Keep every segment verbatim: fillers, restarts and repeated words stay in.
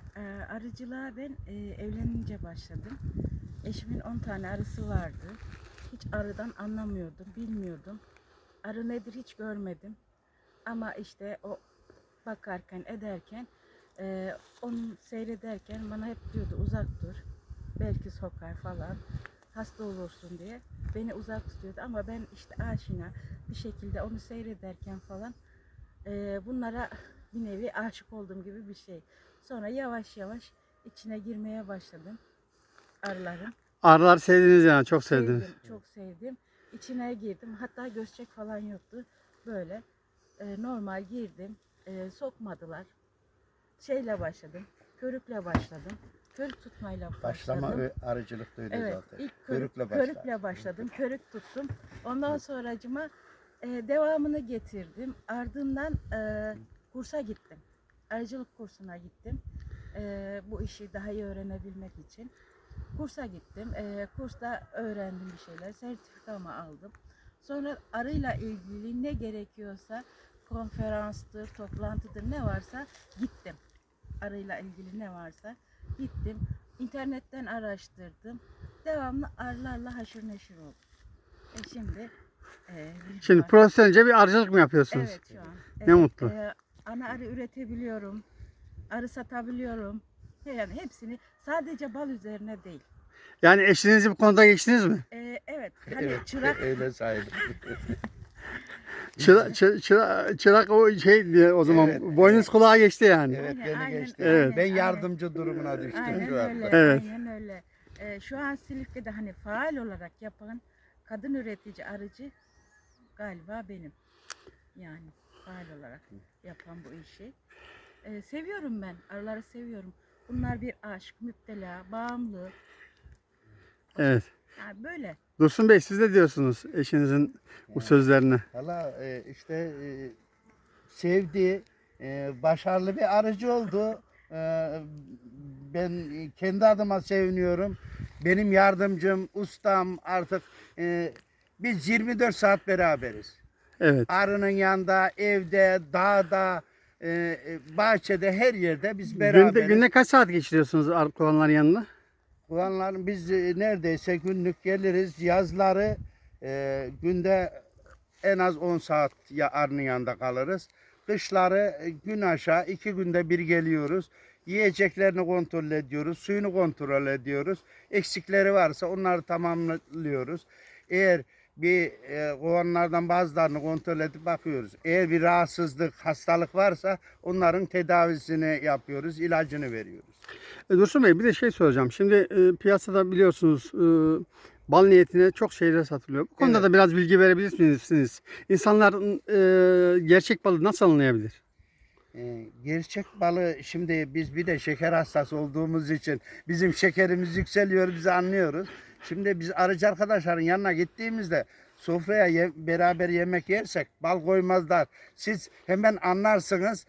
Ee, arıcılığa ben e, evlenince başladım. Eşimin on tane arısı vardı. Hiç arıdan anlamıyordum, bilmiyordum. Arı nedir hiç görmedim. Ama işte o bakarken, ederken, e, onu seyrederken bana hep diyordu uzak dur. Belki sokar falan, hasta olursun diye. Beni uzak tutuyordu ama ben işte aşina bir şekilde onu seyrederken falan e, bunlara bir nevi aşık olduğum gibi bir şey. Sonra yavaş yavaş içine girmeye başladım arıların. Arılar sevdiniz yani, çok sevdiniz. Sevdim, çok sevdim. İçine girdim. Hatta göz falan yoktu. Böyle e, normal girdim. E, sokmadılar. Şeyle başladım. Körükle başladım. Körük tutmayla Başlama başladım. ö- arıcılıkta öyle Evet, zaten. ilk körük, Körükle başlar. körükle başladım. Körük tuttum. Ondan sonracıma e, devamını getirdim. Ardından e, kursa gittim. Arıcılık kursuna gittim. E, bu işi daha iyi öğrenebilmek için. Kursa gittim. E, kursta öğrendim bir şeyler. Sertifikamı aldım. Sonra arıyla ilgili ne gerekiyorsa konferanstır, toplantıdır ne varsa gittim. Arıyla ilgili ne varsa gittim. İnternetten araştırdım. Devamlı arılarla haşır neşir oldum. E şimdi e, bir Şimdi var. profesyonelce bir arıcılık mı yapıyorsunuz? Evet şu an. Ne Evet, mutlu. e, ana arı üretebiliyorum. Arı satabiliyorum. Yani hepsini sadece bal üzerine değil. Yani eşinizi bu konuda geçtiniz mi? E, evet hani Evet, çırak öyle sayılır. Çıra, çı- çıra- çırak o şey diye o zaman Evet, boynuz evet. kulağa geçti yani. Evet, Aynen, beni aynen, geçti. Evet. Ben aynen, yardımcı durumuna düştüm aynen şu anda. öyle, Evet. aynen öyle. E, şu an Silifke'de hani faal olarak yapan kadın üretici arıcı galiba benim. Yani faal olarak yapan bu işi. Ee, seviyorum ben. Arıları seviyorum. Bunlar bir aşk, müptela, bağımlı. Evet. Yani böyle. Dursun Bey, siz de diyorsunuz eşinizin bu sözlerine. Valla e, işte e, sevdi, e, başarılı bir arıcı oldu. E, ben kendi adıma seviniyorum. Benim yardımcım, ustam artık e, biz yirmi dört saat beraberiz. Evet. Arının yanında, evde, dağda, e, e, bahçede, her yerde biz Günde, beraberiz. günde kaç saat geçiriyorsunuz arı kullananların yanına? Ulanlar biz e, neredeyse günlük geliriz. Yazları e, günde en az on saat ya arının yanında kalırız. Kışları e, gün aşağı iki günde bir geliyoruz. Yiyeceklerini kontrol ediyoruz. Suyunu kontrol ediyoruz. Eksikleri varsa onları tamamlıyoruz. Eğer bir e, kovanlardan bazılarını kontrol edip bakıyoruz. Eğer bir rahatsızlık, hastalık varsa onların tedavisini yapıyoruz, ilacını veriyoruz. E, Dursun Bey, bir de şey soracağım. Şimdi e, piyasada biliyorsunuz e, bal niyetine çok şeyler satılıyor. Bu konuda Evet. da biraz bilgi verebilir misiniz? İnsanlar e, gerçek balı nasıl anlayabilir? Ee, gerçek balı şimdi biz bir de şeker hastası olduğumuz için bizim şekerimiz yükseliyor, biz anlıyoruz. Şimdi biz arıcı arkadaşların yanına gittiğimizde sofraya ye- beraber yemek yersek bal koymazlar. Siz hemen anlarsınız,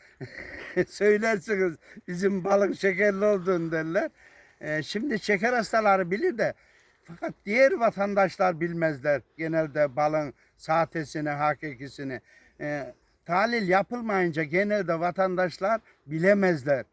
söylersiniz bizim balın şekerli olduğunu derler. Ee, şimdi şeker hastaları bilir de fakat diğer vatandaşlar bilmezler genelde balın sahtesini, hakikisini. Ee, Tahlil yapılmayınca genelde vatandaşlar bilemezler.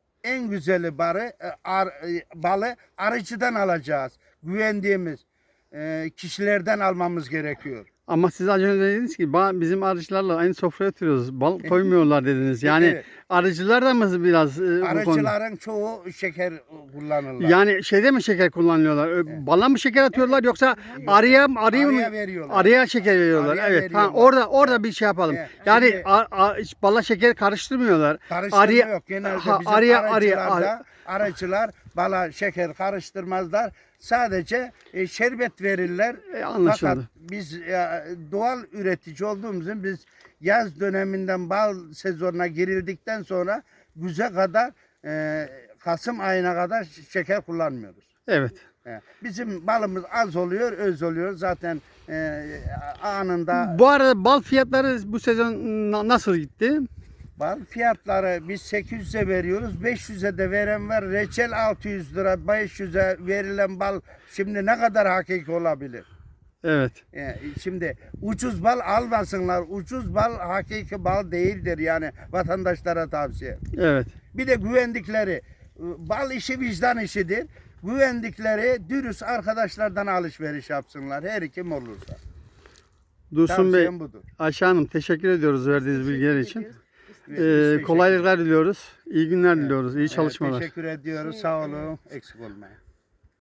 En güzeli barı, e, ar, e, balı arıcıdan alacağız. Güvendiğimiz e, kişilerden almamız gerekiyor. Ama siz az önce dediniz ki "Ba- bizim arıcılarla aynı sofraya oturuyoruz. Bal koymuyorlar" dediniz. Yani Evet. arıcılar da mı biraz e, bu konuda? Arıcıların çoğu şeker kullanırlar. Yani şeyde mi şeker kullanıyorlar? Ö, Bala mı şeker atıyorlar yoksa Hayır. arıya arıya mı Arıya veriyorlar. arıya şeker veriyorlar? Arıya Evet. veriyorlar. Ha, orada orada Evet. bir şey yapalım. Evet. Yani Şimdi- a- a- hiç bala şeker karıştırmıyorlar. Karıştırma Arıya- yok. Genelde ha, bizim arıya- arıcılarda arıya- arıcılar bala şeker karıştırmazlar. Sadece e, şerbet verirler. E, anlaşıldı. Fakat biz e, doğal üretici olduğumuz için biz yaz döneminden bal sezonuna girildikten sonra güze kadar e, Kasım ayına kadar şeker kullanmıyoruz. Evet. E, Bizim balımız az oluyor, öz oluyor. Zaten e, anında Bu arada bal fiyatları bu sezon na- nasıl gitti? bal fiyatları biz sekiz yüze veriyoruz. beş yüze de veren var. Reçel altı yüz lira, beş yüze verilen bal şimdi ne kadar hakiki olabilir? Evet. E, şimdi ucuz bal almasınlar. Ucuz bal hakiki bal değildir yani vatandaşlara tavsiye. Evet. Bir de güvendikleri Bal işi vicdan işidir. Güvendikleri dürüst arkadaşlardan alışveriş yapsınlar. Her kim olursa. Dursun Bey, Tavsiyem budur. Ayşe Hanım teşekkür ediyoruz verdiğiniz bilgiler için. ediyoruz. Biz Ee, teşekkür kolaylıklar diliyoruz. İyi günler diliyoruz. İyi Evet, çalışmalar. teşekkür ediyoruz. Sağ olun. Eksik olmayın.